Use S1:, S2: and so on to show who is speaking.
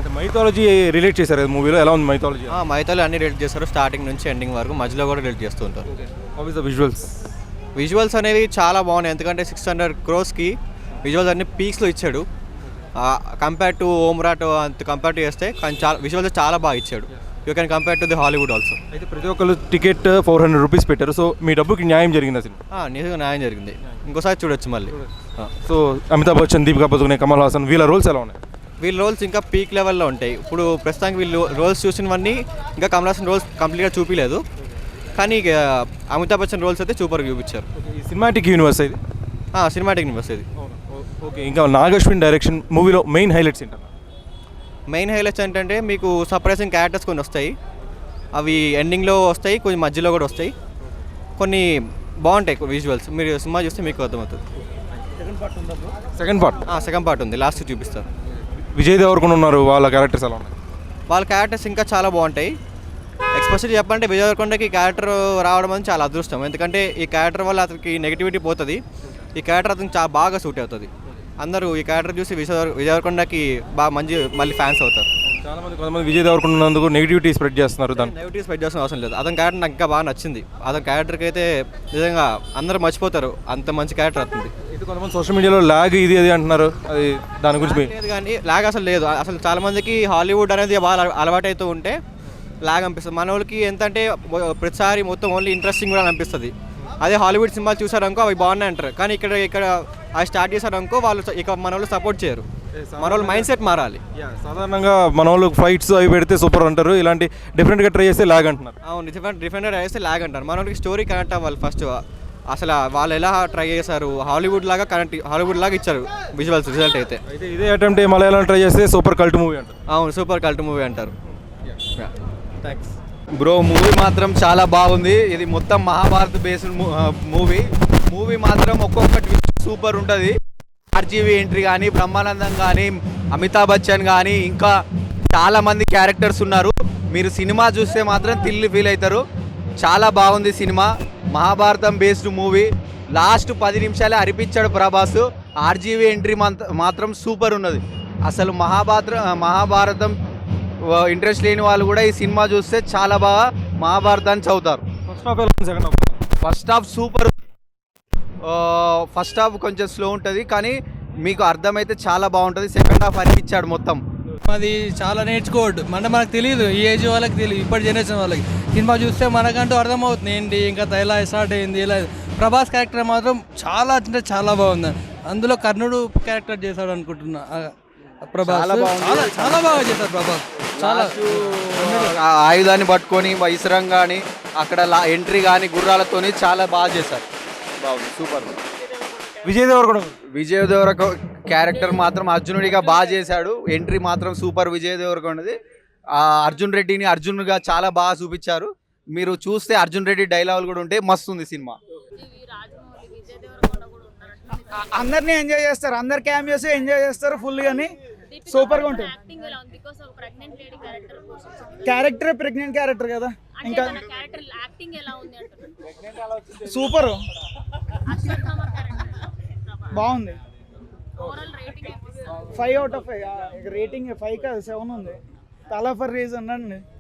S1: అంటే mythology relate చేశారు కదా మూవీలో, ఎలా ఉంది మైథాలజీ?
S2: మైథాలజీ అన్ని రిలేట్ చేస్తారు, స్టార్టింగ్ నుంచి ఎండింగ్ వరకు, మధ్యలో కూడా రిలేట్ చేస్తూ ఉంటారు.
S1: How is the visuals?
S2: Visuals అనేవి చాలా బాగున్నాయి, ఎందుకంటే 600 crores విజువల్స్ అన్ని పీక్స్లో ఇచ్చాడు. కంపేర్ టు ఓమ్రాట్ అంత కంపేర్ టు చేస్తే కానీ చాలా విజువల్స్ చాలా బాగా ఇచ్చాడు. You can compare to the Hollywood also.
S1: అయితే ప్రతి ఒక్కరు టికెట్ 400 రూపీస్ పెట్టారు. సో మీ డబ్బుకి న్యాయం జరిగింది అసలు?
S2: నిజంగా న్యాయం జరిగింది, ఇంకోసారి చూడొచ్చు మళ్ళీ.
S1: సో అమితాబ్ బచ్చన్, దీపికా పదుకునే, కమల్ హాసన్ వీళ్ళ రోల్స్ ఎలా ఉన్నాయి?
S2: వీళ్ళ రోల్స్ ఇంకా పీక్ లెవెల్లో ఉంటాయి. ఇప్పుడు ప్రస్తుతానికి వీళ్ళు రోల్స్ చూసినవన్నీ ఇంకా కమల్ హాసన్ రోల్స్ కంప్లీట్గా చూపించలేదు, కానీ అమితాబ్ బచ్చన్ రోల్స్ అయితే సూపర్గా చూపించారు.
S1: ఈ సినిమాటిక్ యూనివర్స్ ఇది?
S2: సినిమాటిక్ యూనివర్స్ ఇది.
S1: ఓకే, ఇంకా నాగశ్విన్ డైరెక్షన్ మూవీలో మెయిన్ హైలైట్స్ ఏంటన్నా?
S2: మెయిన్ హైలైట్స్ ఏంటంటే మీకు సర్ప్రైజింగ్ క్యారెక్టర్స్ కొన్ని వస్తాయి, అవి ఎండింగ్లో వస్తాయి, కొన్ని మధ్యలో కూడా వస్తాయి, కొన్ని బాగుంటాయి విజువల్స్. మీరు సినిమా చూస్తే మీకు అర్థమవుతుంది. సెకండ్ పార్ట్ ఉంది, లాస్ట్ చూపిస్తారు.
S1: విజయ్ దేవరకొండ ఉన్నారు, వాళ్ళ క్యారెక్టర్స్ ఎలా ఉన్నాయి?
S2: వాళ్ళ క్యారెక్టర్స్ ఇంకా చాలా బాగుంటాయి. ఎక్స్పెషల్లీ చెప్పాలంటే విజయ్ దేవరకొండకి క్యారెక్టర్ రావడం అనేది చాలా అదృష్టం, ఎందుకంటే ఈ క్యారెక్టర్ వల్ల అతనికి నెగిటివిటీ పోతుంది, ఈ క్యారెక్టర్ అతనికి చాలా బాగా సూట్ అవుతుంది. అందరూ ఈ క్యారెక్టర్ చూసి విజయ్ దేవరకొండకి బాగా మళ్ళీ ఫ్యాన్స్ అవుతారు.
S1: కొంతమంది విజయ్ దేవరకొండ ఉన్నందుకు నెగిటివిటీ స్ప్రెడ్ చేస్తున్నారు.
S2: నెగిటివ్ స్ప్రెడ్ చేసిన అవసరం లేదు, అతని క్యారెక్టర్ నాకు ఇంకా బాగా నచ్చింది. అతని క్యారెక్టర్కి అయితే నిజంగా అందరూ మర్చిపోతారు, అంత మంచి క్యారెక్టర్ అవుతుంది.
S1: ఇది కొంతమంది సోషల్ మీడియాలో లాగ్ ఇది అంటున్నారు, అది దాని గురించి
S2: లేదు. కానీ లాగ్ అసలు లేదు, అసలు చాలా మందికి హాలీవుడ్ అనేది బాగా అలవాటు అవుతూ ఉంటే లాగ్ అనిపిస్తుంది. మన వాళ్ళకి ఎంతంటే ప్రతిసారి మొత్తం ఓన్లీ ఇంట్రెస్టింగ్ కూడా అనిపిస్తుంది. అదే హాలీవుడ్ సినిమాలు చూసారనుకో అవి బాగున్నాయి అంటారు, కానీ ఇక్కడ అవి స్టార్ట్ చేశారనుకో వాళ్ళు ఇక మన వాళ్ళు సపోర్ట్ చేయరు. మన వాళ్ళు మైండ్ సెట్ మారాలి.
S1: సాధారణంగా మన వాళ్ళు ఫైట్స్ అవి పెడితే సూపర్ అంటారు, ఇలాంటి డిఫరెంట్గా ట్రై చేస్తే లాగ్ అంటున్నారు.
S2: అవును, డిఫరెంట్గా ట్రై చేస్తే లాగ్ అంటారు. మన వాళ్ళకి స్టోరీ కనెక్ట్ అవ్వాలి ఫస్ట్. అసలు వాళ్ళు ఎలా ట్రై చేశారు, హాలీవుడ్ లాగా ఇచ్చారు విజువల్స్. రిజల్ట్ అయితే
S1: ఇదే అటెంప్ట్ మలయాళం ట్రై చేస్తే సూపర్ కల్ట్ మూవీ అంటారు.
S2: అవును, సూపర్ కల్ట్ మూవీ అంటారు. Thanks
S3: bro. మూవీ మాత్రం చాలా బాగుంది. ఇది మొత్తం మహాభారత్ బేస్డ్ మూవీ మాత్రం ఒక్కొక్కటి సూపర్ ఉంటుంది. ఆర్జీవి ఎంట్రీ కానీ, బ్రహ్మానందం కానీ, అమితాబ్ బచ్చన్ కానీ, ఇంకా చాలామంది క్యారెక్టర్స్ ఉన్నారు. మీరు సినిమా చూస్తే మాత్రం థ్రిల్ ఫీల్ అవుతారు. చాలా బాగుంది సినిమా. Mahabharatam based movie. లాస్ట్ 10 నిమిషాలే అరిపించాడు ప్రభాస్. ఆర్జీవి ఎంట్రీ మాత్రం సూపర్ ఉన్నది. అసలు మహాభారతం ఇంట్రెస్ట్ లేని వాళ్ళు కూడా ఈ సినిమా చూస్తే చాలా బాగా మహాభారతాన్ని చదువుతారు. First half super. First half కొంచెం స్లో ఉంటుంది, కానీ మీకు అర్థమైతే చాలా బాగుంటుంది. సెకండ్ హాఫ్ అనిపించాడు మొత్తం.
S4: అది చాలా నేర్చుకోవద్దు, మనకు తెలియదు, ఈ ఏజ్ వాళ్ళకి తెలియదు, ఇప్పటి జనరేషన్ వాళ్ళకి సినిమా చూస్తే మనకంటూ అర్థమవుతుంది ఏంటి ఇంకా ఎలా స్టార్ట్ అయింది ఇలా. ప్రభాస్ క్యారెక్టర్ మాత్రం చాలా అంటే చాలా బాగుంది. అందులో కర్ణుడు క్యారెక్టర్ చేశాడు అనుకుంటున్నా. ప్రభాస్ చాలా బాగా చేశారు. ప్రభాస్ చాలా
S3: ఆయుధాన్ని పట్టుకొని ఇసరం కానీ అక్కడ ఎంట్రీ కానీ గుర్రాలతోని చాలా బాగా చేశారు. బాగుంది, సూపర్. విజయ్ దేవరకొండ క్యారెక్టర్ మాత్రం అర్జునుడిగా బాగా చేశాడు. ఎంట్రీ మాత్రం సూపర్ విజయ్ దేవరకొండది. అర్జున్ రెడ్డిని అర్జున్గా చాలా బాగా చూపించారు. మీరు చూస్తే అర్జున్ రెడ్డి డైలాగులు కూడా ఉంటే మస్తు ఉంది సినిమా.
S5: అందరినీ ఎంజాయ్ చేస్తారు, అందరు క్యామియోస్ ఎంజాయ్ చేస్తారు ఫుల్ గాని సూపర్ గా ఉంటుంది. క్యారెక్టర్ ప్రెగ్నెంట్ క్యారెక్టర్ కదా, ఇంకా సూపర్ బాగుంది. 5 out of 5 రేటింగ్. 5 కాదు 7 ఉంది. తలా ఫర్ రీజన్ అండి.